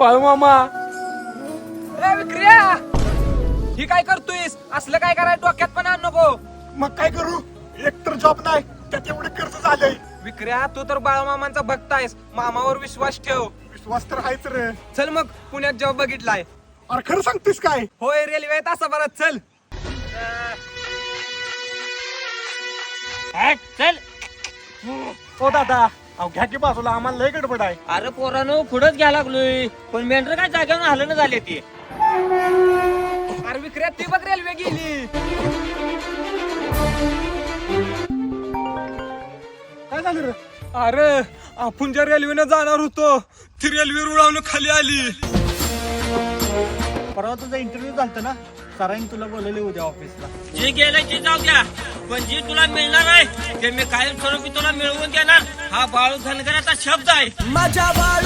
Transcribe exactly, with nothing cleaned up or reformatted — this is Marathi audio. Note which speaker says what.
Speaker 1: बाळू मामा.
Speaker 2: ए विक्रिया, ही काय करतोयस? असलं काय कराय डोक्यात पण आण नको.
Speaker 3: मग काय करू? एकतर जॉब नाही, त्यात एवढे कर्ज झालंय.
Speaker 2: विक्रिया, तू तर बाळूमामांचा भक्त आहेस, मामावर विश्वास ठेव.
Speaker 3: विश्वास तर आहेच रे.
Speaker 2: चल मग पुण्यात जॉब बघितलाय.
Speaker 3: अरे खरं सांगतेस काय?
Speaker 2: होय, रेल्वे तासाभरात. चल
Speaker 4: चल.
Speaker 3: हो दादा, अहो घ्या की बाजूला, आम्हाला लय गडबड आहे.
Speaker 4: अरे पोरानो पुढंच घ्या लागलोय, पण मेंढर काय जागेवर हलणं झाले ते.
Speaker 2: अरे विक्रिया, ती बघ रेल्वे गेली.
Speaker 3: काय झालं रे?
Speaker 2: अरे आपण ज्या रेल्वेनं जाणार होतो ती रेल्वे रुळावून खाली आली.
Speaker 3: परवा तुझा इंटरव्ह्यू झालता ना, सरांनी तुला बोलवले उद्या ऑफिसला.
Speaker 4: जे गेलं ते जाऊ द्या, पण जे तुला मिळणार आहे ते मी कायमस्वरूपी तुला मिळवून देणार. हा बाळू धनगराचा शब्द आहे.
Speaker 5: माझ्या